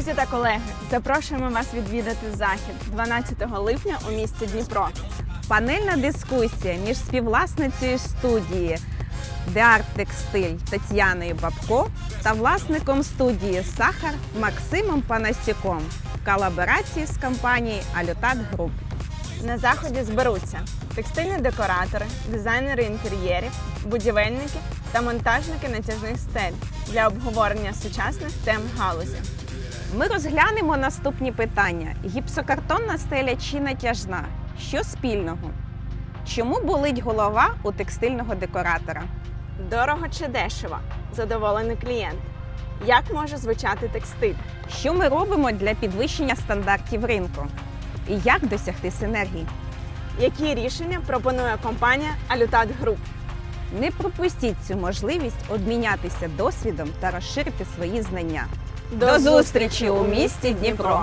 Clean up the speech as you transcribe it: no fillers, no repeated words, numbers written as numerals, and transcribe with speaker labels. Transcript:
Speaker 1: Друзі та колеги, запрошуємо вас відвідати захід 12 липня у місті Дніпро.
Speaker 2: Панельна дискусія між співвласницею студії The Art Textile Тетяною Бабко та власником студії «Сахар» Максимом Панасюком в колаборації з компанією Алютат Груп.
Speaker 1: На заході зберуться текстильні декоратори, дизайнери інтер'єрів, будівельники та монтажники натяжних стель для обговорення сучасних тем галузі.
Speaker 2: Ми розглянемо наступні питання. Гіпсокартонна стеля чи натяжна? Що спільного? Чому болить голова у текстильного декоратора?
Speaker 1: Дорого чи дешево? Задоволений клієнт. Як може звучати текстиль?
Speaker 2: Що ми робимо для підвищення стандартів ринку? І як досягти синергії?
Speaker 1: Які рішення пропонує компанія Алютат Груп?
Speaker 2: Не пропустіть цю можливість обмінятися досвідом та розширити свої знання.
Speaker 1: До зустрічі у місті Дніпро!